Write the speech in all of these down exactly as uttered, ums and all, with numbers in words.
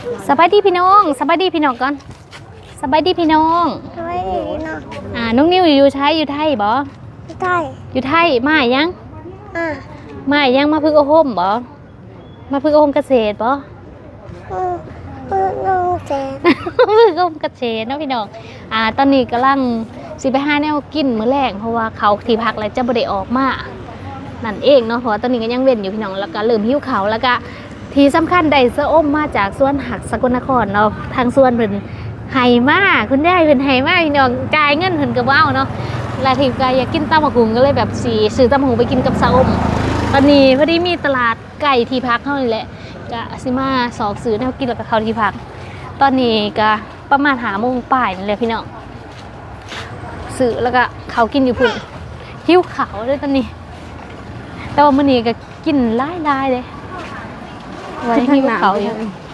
สบายดีพี่น้องสบายดีพี่น้องก่อนสบายดีพี่น้องสบายดีเนาะอ่าน้องนิวอยู่ไทยอยู่ไทยบ่ใช่อยู่ไทยมายังอ่ะมายังมาพึ่งโอโฮมบ่มาพึ่งโอโฮมเกษตรบ่อืออือน้องแจนพึ่งโอโฮมเกษตรเนาะพี่น้องอ่าตอนนี้กำลังสิไปหาแนวกินมื้อแรกเพราะว่าเขาที่พักแล้วจะบ่ได้ออกมานั่นเองเนาะเพราะว่าตอนนี้ก็ยังเว้นอยู่พี่น้องแล้วก็เริ่มหิวข้าวแล้วก็ที่สำคัญได้เสื้ออ้มมาจากสวนหักสกลนครเนาะทางสวนเพิ่นไห้มาคุณได้เพิ่นไห้มาพี่น้องจ่ายเงินเพิ่นก็ว้าวเนาะแล้วทีก็อยากกินตำบักหุ่งก็เลยแบบสิซื้อตำบักหุ่งไปกินกับเสื้ออ้มตอนนี้พอดีมีตลาดไก่ที่พักเฮานี่แหละก็สิมาสอกซื้อแนวกินแล้วก็เข้าที่พักตอนนี้ก็ประมาณห้าโมงป่ายนี่แหละพี่น้องซื้อแล้วก็เขากินอยู่พุ่นหิวข้าวเลยตอนนี้แต่ว่ามื้อนี้ก็กินหลายๆเลยไว้หิวข้าวอยู่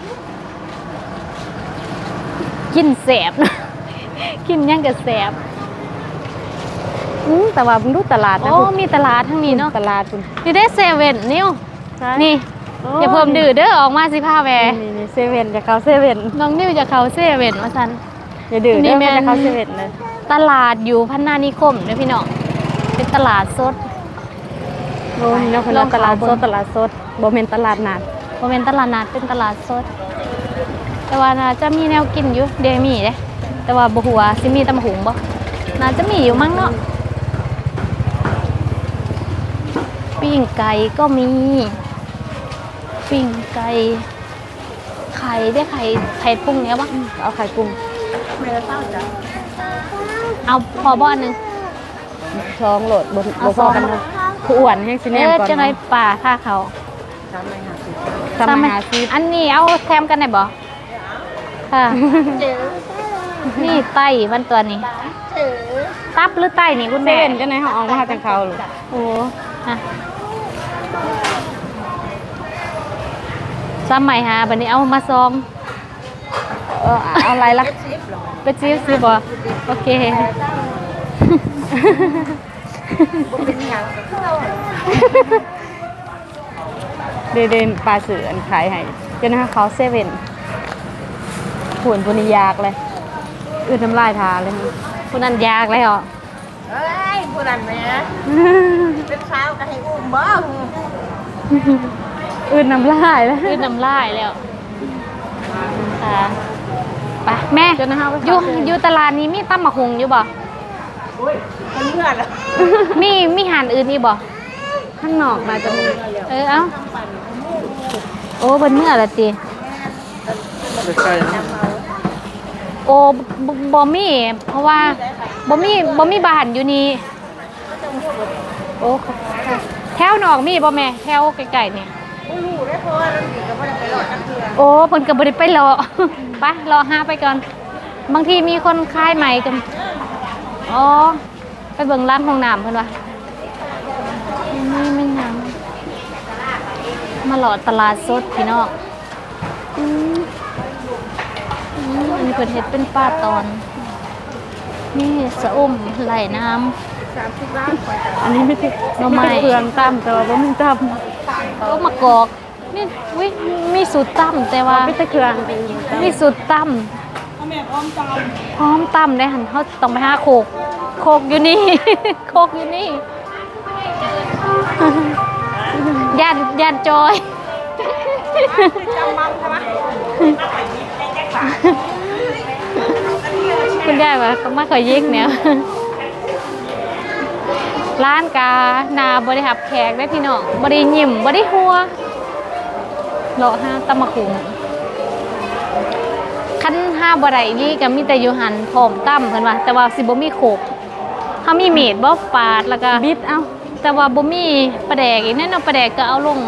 กินแสบนะกินยังกับแสบอืมแต่ว่ามึงดูตลาดนะโอ้มีตลาดทั้งนี้เนาะตลาดคุณอยู่ได้เซเว่นนิ้วนี่อย่าเพิ่มดื้อเด้อออกมาสิพาแวนี่นี่เซเว่นจะเข้าเซเว่นน้องนิ้วจะเข้าเซเว่นว่าซั่นอย่าดื้อเด้อจะเข้าเซเว่นเลยตลาดอยู่พัฒนานิคมเด้อพี่น้องเป็นตลาดสดโอ้ยเนาะเพิ่นตลาดสดตลาดสดบ่แม่นตลาดนัดบ่แม่นตลาดนัดเป็นตลาดสดแต่ว่าน่าจะมีแนวกินอยู่เดมีเด้แต่ว่าบ่ฮู้ว่าสิมีตำหุงบ่น่าจะมีอยู่มั้งเนาะปิ้งไก่ก็มีปิ้งไก่ไข่ได้ไข่ไข่ปรุงเนี้ยบ้างเอาไข่ปรุงเอาพอบ้านหนึ่งช้องโหลดบนบนพอกันนะผู้อ้วนให้สิแนมก่อนจะไรป่าท่าเขาทำมาหาซีอันนี้เอาแถมกันได้บ่ค่ะนี่ไต้มันตัวนี้ตับหรือไต้นี่คุณแม่เส้นจะไหนเขาเอามาจากเขาหรือโอ้ฮะซ้ำใหม่ฮะบันนี้เอามาซองเออเอาอะไรล่ะไปจิ้มซิบ่โอเคเดเดนปลาเสืออันขายให้เจ้าหน้าเขาเซเว่นผุนปุนิยากเลยอื่นทำลายทาเลยผู้นั้นยากเลยเหรอเอ้ยผู้นั้นแม่เป็นสาวก็ให้อุ้มบ่อื่นน้ำลายแล้วอื่นน้ำลายแล้วค่ะไปแม่อยู่อยู่ตลาดนี้มีตำมะฮุงอยู่บ่มันเมื่อแล้วมีมีหานอื่นอีกบ่ข้างนอกมาจะมีเออเอ้าโอ้เป็นเมื่อละจีโอ้บ่มีเพราะว่าบ่มีบ่มีบ้านอยู่นี่โอ้แถวนอกมีบ่แม่แถวไกลๆนี่โอ้เพิ่นก็บ่ได้ไปรอไปรอหาไปก่อนบางทีมีคนขายใหม่กันอ๋อไปเบิ่งร้านห้องน้ำเพิ่นว่าไม่ไม่งามมาหลอดตลาดสดพี่น้องอืมอันนี้เพิ่นเฮ็ดเป็นป้าตอนนี่สะอมไหลน้ำอันนี้ไม่ใช่น้ำไม้เปลืองตั้มแต่ว่าบ่มีตั้มก็มากอกนี่วิมีสูตรตั้มแต่ว่าไม่ใช่เครื่องมีสูตรตั้มพร้อมตั้มพร้อมตั้มได้หันเขาต้องไปหาโคกโคกอยู่นี่โคกอยู่นี่ยันยันจอยคุณได้ปะก็ไม่เคยยิกเนี่ยร้านกานาบริหับแขกได้พี่น้องบริยิ้มบริหัวโลห้าตะมะขุงขั้นห้าบริยี่กับมีแต่ยูหันผอมตั้มเห็นป่ะแต่ว่าสิบ่มีโขกเขามีเม็ดบ่ปาดแล้วก็บิดเอาแต่ว่าบ่มีปลาแดกอีกแน่นอนปลาแดกก็เอาลง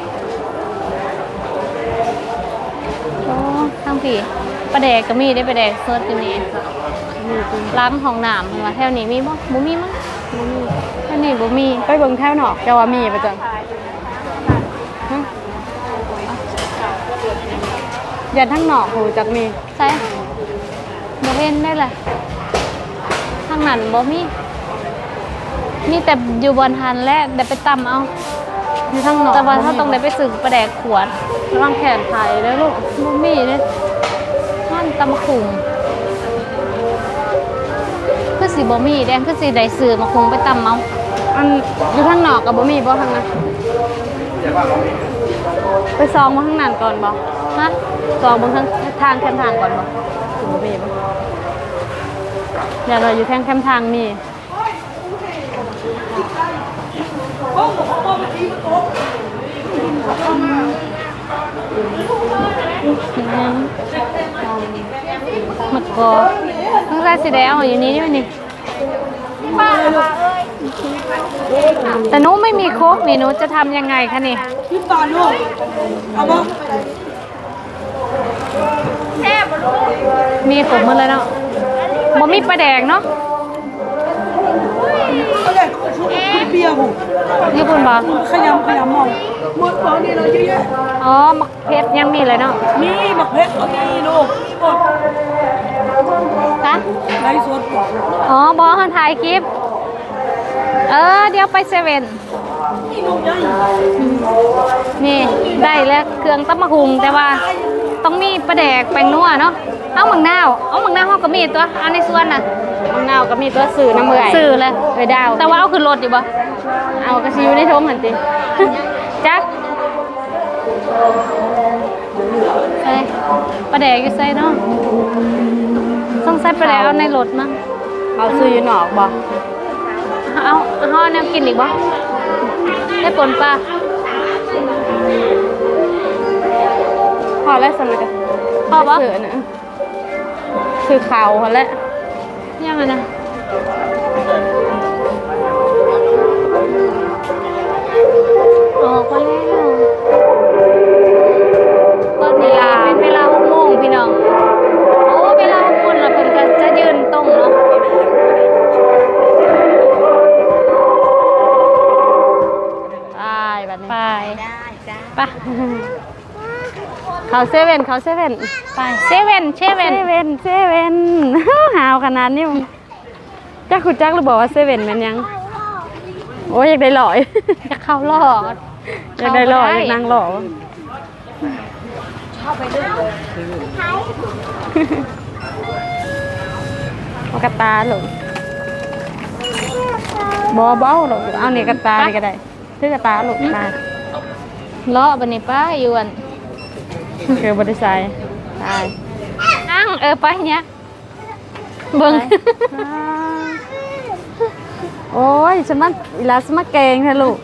โอ้ทั้งพี่ปลาแดกก็มีได้ปลาแดกสดอยู่นี่ล้างห้องน้ำเห็นป่ะแถวนี้มีบ่บ่มีมั้งบ่มีแถวนี้บ่มีไปเบิ่งแถวนอกจะว่ามีไปจังอย่าทั้งนอกหูจักมีใช่บ่เห็นได้เลยทางนั้นบ่มีมีแต่อยู่บนหันและเดี๋ยวไปตำเอาอยู่ทั้งนอกแต่ว่าถ้าต้องได้ไปสึกปลาแดกขวดระวังแขนไข่แล้วลูกบ่มีเด้ท่านตำมะคุงคือสีบ่มีแดงคือสีใดซื้อมะคุงไปตำเมาอันอยู่ข้างนอกกับบ่มีบ่ทางนั้นไปซองมาข้างนั้นก่อนบ่ฮะซองบนทางทางแคมทางก่อนบ่ถึงบ่มีบ่เดี๋ยวเราอยู่แทงแคมทางมีมะกอต้องใส่สีแดงอยู่นี้ด้วยนี่แต่หนูไม่มีโค้กนี่หนูจะทำยังไงคะนี่พี่ตอนลูกเอาบ่แซ่บบ่ลูกมีขมหมาเลยเนาะบ่มีปลาแดกเนาะเอาเลยชุบเปียบุญี่ปุ่นบ่ขยำขยำมองหมดของนี่เราเยอะแยะอ๋อมะเพชรยังมีเลยเนาะนี่บักเพชรเอานี่ลูกหมดคะไรสดอ๋อบอเขาถ่ายคลิป เออ เดี๋ยวไปเซเว่นนี่ลูกใหญ่นี่ได้แล้วเครื่องตำมะฮุงแต่ว่าต้องมีปลาแดกแป้งนัวเนาะเอาหมังนาวเอาหมังนาวเขาก็มีตัวเอาในส่วนน่ะข้างนอกก็มีตัวสื่อน้ำเมื่อยซื้อเลยไปดาวแต่ว่าเอาขึ้นรถอยู่บ่เอากระซิวในท้องหันติจักใส่ปลาแดกอยู่ใส่เนาะต้องใส่ปลาแดกเอาในรถมั้งเอาซื้ออยู่นอกบ่เอาเอาแนวกินอีกบ่ได้ปนปลาพอแล้วสำหรับพอบ่สื่อนะสื่อข่าวพอแล้วยังไงนะออกมาแล้วตอนนี้เป็นเวลาหกโมงพี่น้องโอ้เวลาหกโมงแล้วเพิ่นก็จะยืนตรงเนาะไปแบบนี้ไปได้จ้าไปเขาเซเว่นเขาเซเว่นไปเซเว่นเซเซเว่นเว่นเซเว่น หาวขนาดนี้มึงจักคุณจักหรือบอกว่าเซเว่นมันยัง โอ้ยอยากได้หล่อยจะเข้ารอดอยากได้หล่ออยากนั่งหล่อเอากระตาหลงบอเบ้าหลงเอาเนี่ยกระตานี่ก็ได้ซื้อกระตาหลงตาเลาะบันนี้ป้าอยู่อันคือบริษัทตายนั่งเออไปเนี้ยเบิ่งโอ้ยสมัครเวลาสมัครเก่งเถอะลูก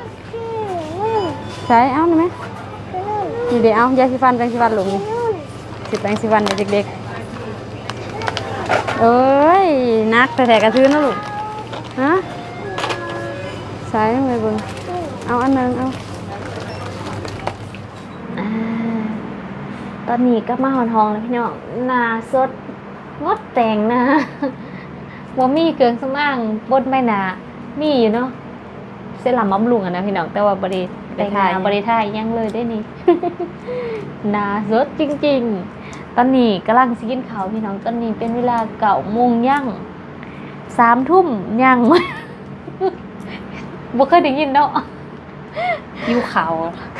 ใช้เอาหน่อยไหมนี่เดี๋ยวเอายาสีฟันแปรงสีฟันหลงนี่สิแปรงสีฟันเด็กๆเอ้ยนักแต่แถกระซื้อนะลูกฮะใช้ไม่เบิ่งเอาอันนึงเอาอ่าตอนนี้ก็มาหอนทองแล้วพี่น้องหนาสดงดแต่งนะว่ามีเกินสมางบดไม่หนามีอยู่เนาะเสลัมบำรุงอะนะพี่น้องแต่ว่าบริแต่งหนาบริท่ายยังเลยได้นี่ หนาสดจริงๆ ตอนนี้กำลังสิกินข้าวพี่น้องตอนนี้เป็นเวลาเก่าโมงย่างสามทุ่มย่าง บ่เคยได้ยินเนาะยิ้วขาว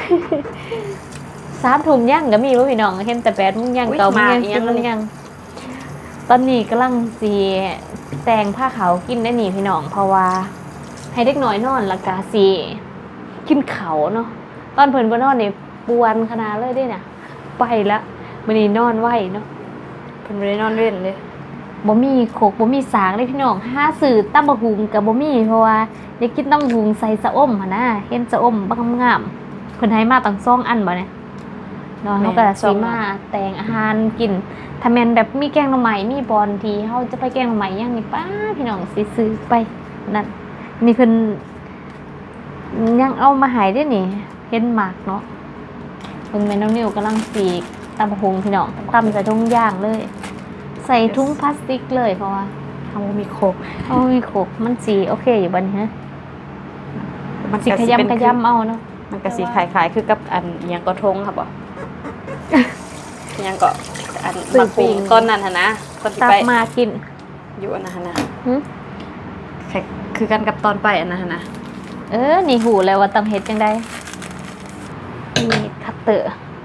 สามทุ่มย่างก็มีว่าพี่น้องเห็นแต่แปดโมงย่างเก่าโมงย่างสิบโมงย่างตอนนี้กำลังสีแต่งผ้าขาวกินได้หนีพี่น้องเพราะว่าให้เด็กน้อยนอนและกาสีกินเขาเนาะตอนเพิ่นบ่นอนนี่ปวนขนาดเลยเด้เนี่ยไปละมื้อนี้นอนไว้เนาะเพิ่นบ่ได้นอนเว้นเลยบ่มีโขกบ่มีสางเลยพี่น้องหาซื้อตำบักหุ่งก็บ่มีเพราะว่าอยากกินตำบักหุ่งใส่สะอมหั่นนะเห็นสะอมบักงามๆเพิ่นให้มาตั้งสองอันบ่เนี่ยเนาะเฮาก็สิมาแต่งอาหารกินถ้าแม่นแบบมีแกงหน่อไม้มีบอนที่เฮาจะไปแกงหน่อไม้ย่างนี่ป้าพี่น้องสิซื้อไปนั่นมีเพิ่นยังเอามาให้ได้นี่เห็นหมากเนาะเพิ่นแม่น้องนิวกำลังสีกตำบักหุ่งพี่น้องตำใส่ถุงย่างเลย ใส่ถุงพลาสติกเลยเพราะว่าเฮามีโคกเอามีโขกมันสีโอเคอยู่บัดนี้ฮะมันสีขยำขยำเอาเนาะมันก็สีคล้ายๆคือกับอันอิหยังก็ทงครับบ่ อิหยังก็อันมาปรุงต้นนั้นหั่นนะตอนที่ตัไปกมากินอยู่อันนั้นหั่นนะหึคล้ายคือกันกับตอนไปอันนั้นหั่นนะเออนี่หูแล้วว่าต้องเฮ็ดจังไดมีคัตเตอร์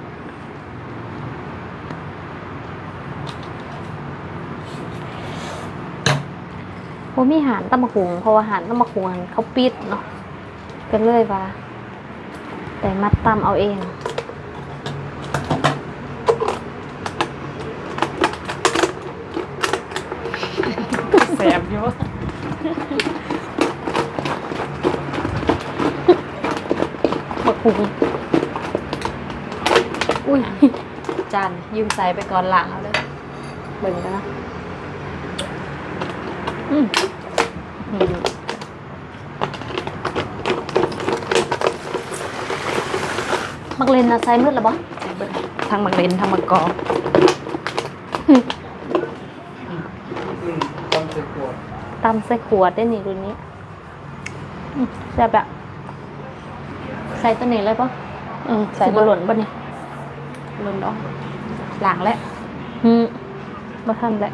บ่มีหารตำบักหุงเพราะว่าหารตำบักหุงเขาปิดเนาะก็เลยว่าแต่มัดตำเอาเองแสบอยู่บักหุงอุ้ยจานยืมใส่ไปก่อนหลังเอาเลยเบิ่งกันนะอืมมักเลนนะใส่มืดหรอบ่ทั้งมักเลนทั้งมักกอกต้องใส่ขวดตำใส่ขวดได้นี่รุ่นนี้อืมแซ่บอะใส่ตัวนี้เลยปะอืมใส่ใส่บะหล่นปะนี่ลนดอกหลังแล้วอืมบ่ทันแหละ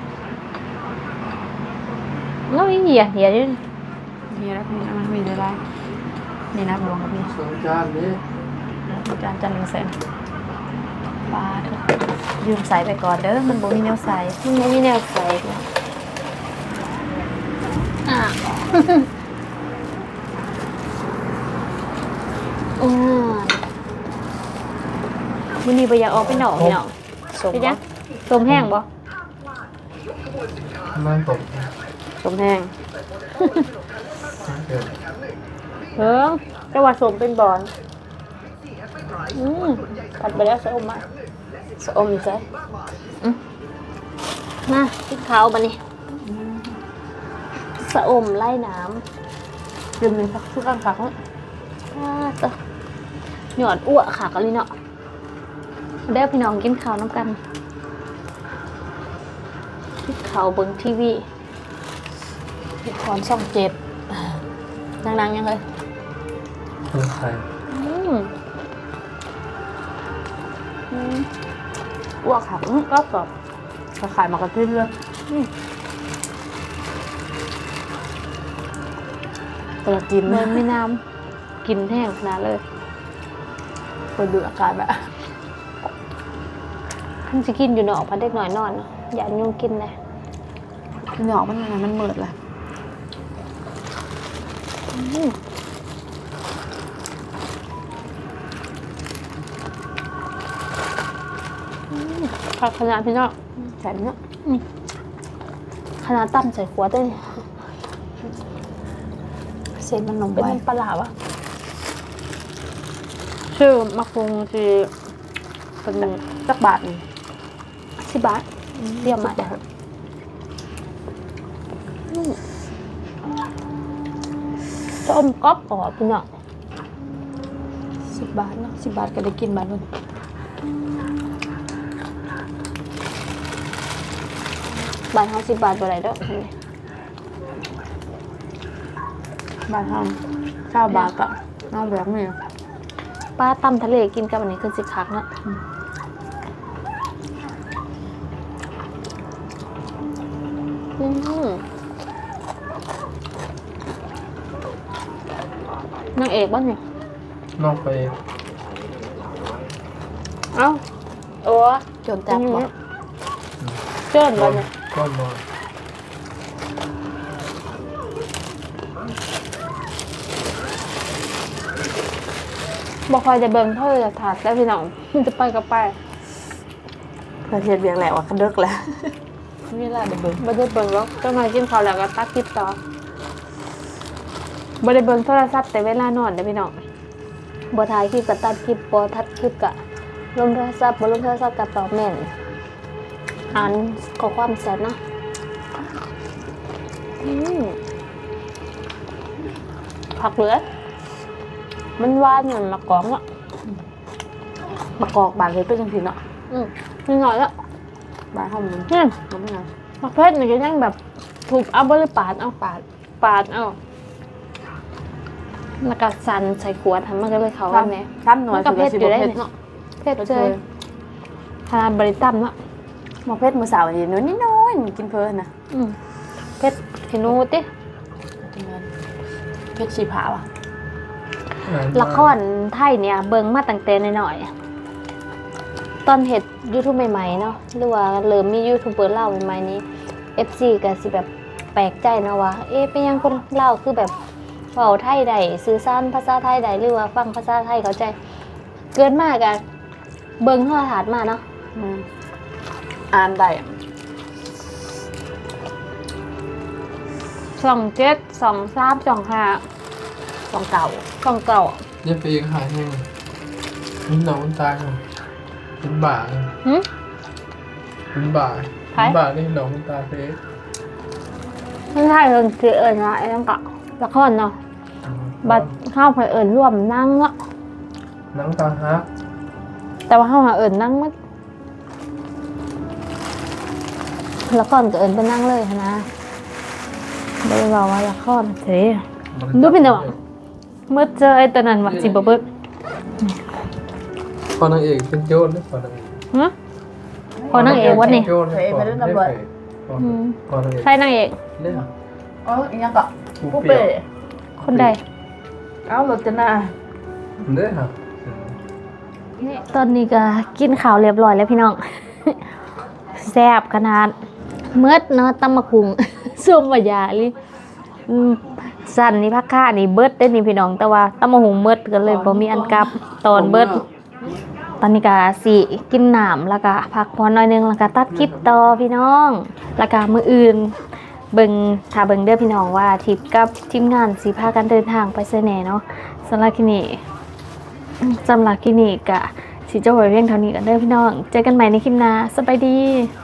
แล้วอีเหี้ยเหี้ยอยู่นี่มีแล้วมีมันมีได้ไรนี่นะรวมกับนี่สองจานนี้จานจานหนึ่งแสนปลาเถอะยืมใส่ไปก่อนเด้อมันบ่มีแนวใส่มันไม่มีแนวใส่นะอ่ะ อืมวันนี้ไปอยากออกไปหนองเนาะสมพี่จ๊ะสมแห้งบ่มันตกสมแห้งเกิดเฮ้ยแต่ว่าสมเป็นบอลอืมตัดไปแล้วสมมาสมอยู่ใส่มาพริกขาวมานี่สะอมไล่น้ยืมหนึ่งพักทุกอันพักำอ่าต่อหยอดอ้วกค่ะกันเลยเนาะได้พี่น้องกินข้าวน้ำกันพริกขาวเบิ่งทีวีคอนช่องเจ็ดนางๆยังเลยเพิ่มไข่อืมอ้วกขังก็กรอบก็ขายมากระทิ้นเลยเปิดกินเหมือนไม่น้ำกินแห้งขนาดเลยเปิดดูอากาศแบบท่านจะกินอยู่เนาะพันเด็กหน่อยนอนเนาะอย่ายุ่งกินเลยหนอกมันอะไรมันเหมิดแหละอืมผักขนาดพี่น้องแถมเนาะขนาดตั้มใส่ขวดด้วยนี่เส้นมันนมเป็นไว้น้ำปลาหลาวะชื่อมะกรูดที่เป็นสักบาทหนึ่งสิบบาทเรียกมาเด้อส้มก๊อบกรอบพี่น้องสิบบาทเนาะสิบบาทก็ได้กินบาทนึงบาทเฮาสิบบาทบ่ได้เด้อบาทห้องเก้าบาทก็น้องแบบนี้ป้าตำทะเลกินกับอันนี้คือสิคักเนาะอืมนางเอกบ้านเนี่ยนอกไปเอ้าโอ้จนจับบ่เจิ้นบ้านเนี่ยก้อนนอนบ่คอยจะเบิ่งเท่าจะถาดแล้วพี่น้องมันจะไปก็ไปประเทศเบียงแหละว่าคันเดึกแล้วนี่แหละเดี๋ยวเบิ่งบ่ได้เบิ่งหรอกเจ้าหน่อยกินข้าวแล้วก็ตัดคลิปต่อบ่ได้เบิ่งโทรศัพท์แต่เวลานอนเด้อพี่น้องบ่ถ่ายคลิปก็ตัดคลิปบ่ทัดคลิปก็ลงโทรศัพท์บ่ลงโทรศัพท์ก็ตอบแม่นอ่านข้อความแชทเนาะอืมผักเหลือมันหวานเหมือนมะกอกอ่ะมะกอกบาทเลยเป็นจังซี่เนาะอืมนิดหน่อยแล้วบาทเฮามันอืมมันไม่นานมะเพชรนี่ก็ยังแบบถูกเอาบ่หรือปาดเอาปาดปาดเอาแล้วก็สั่นใส่ขวดทำมันก็เลยเขาว่าแม่ซ้ำหน่อยมันก็คือเผ็ดอยู่ได้เผ็ดนี่เนาะเพชรเจยขนาดบริตั้มเนาะมะเผ็ดมื้อเช้านี่น้อยนิดน้อยกินเพลินนะอืมเพชรขี้หนูติเผ็ดสีผาว่ะละครไทยเนี่ยเบิ่งมาตั้งแต่น้อยๆตอนเฮ็ด YouTube ใหม่ๆเนาะหรือว่าเริ่มมียูทูบเบอร์เล่าวใหม่ๆนี้ เอฟ ซี ก็สิแบบแปลกใจนะว่าเอ๊ะเป็นยังคนลาวคือแบบเว้าไทยใดสื่อสารภาษาไทยใดหรือว่าฟังภาษาไทยเข้าใจเกินมากอะเบิ่งโทรทัศน์มาเนาะอืมอ่านได้ สองเจ็ดสองสามสองห้าสองเก่าสองเก่าเนี่ยไปเองหายแห้งนี่น้องมันตายเหรอเป็นบ่าเลยหึเป็นบ่าเป็นบ่านี่น้องมันตายไปเองไม่ใช่เรื่องคือเอิญนะไอ้นั่นก็ละครเนาะบัดเข้าไปเอิญร่วมนั่งเนาะนังตาฮักแต่ว่าเข้าหาเอิญนั่งมั้ละครก็เอิญไปนั่งเลยหั้นนะไม่ได้บอกว่าละครเฉย ดูเป็นจังหวะ เมื่อเจอไอ้ตอนนั้นว่าสิบ่เบิดพอนางเอกเป็นโจรนะพอนางเอกฮะพอนางเอกวันนี้โจรนะพอนางเอกพอนางเอกใครนางเอกเนี่ยอ๋ออีกยังก็ผู้ผู้เปรี้เป้ยวคนใดเอ้ารถจะน่าเนี่ยค่ะตอนนี้ก็กินข้าวเรียบร้อยแล้วพี่น้อง แซ่บขนาดเมื่อเนาะตำมะคุง ส้มมะยาลิอืมสั่นนี่พักค่านี่เบิดได้นี่พี่น้อง แต่ว่าตำมะหุงเบิดก็เลยบ่มีอันกลับตอนเบิด ตอนนี้ก็สิกินน้ำแล้วก็พักผ่อนหน่อยนึงแล้วก็ตัดคลิปต่อพี่น้อง แล้วก็มื้ออื่นเบิ่งถ้าเบิ่งเด้อพี่น้องว่าทริปกับทีมงานสิพากันเดินทางไปไสแหน่เนาะสำหรับคลิปนี้สำหรับคลิปนี้ก็สิจบไว้เพียงเท่านี้กันเด้อพี่น้อง เจอกันใหม่ในคลิปหน้าสบายดี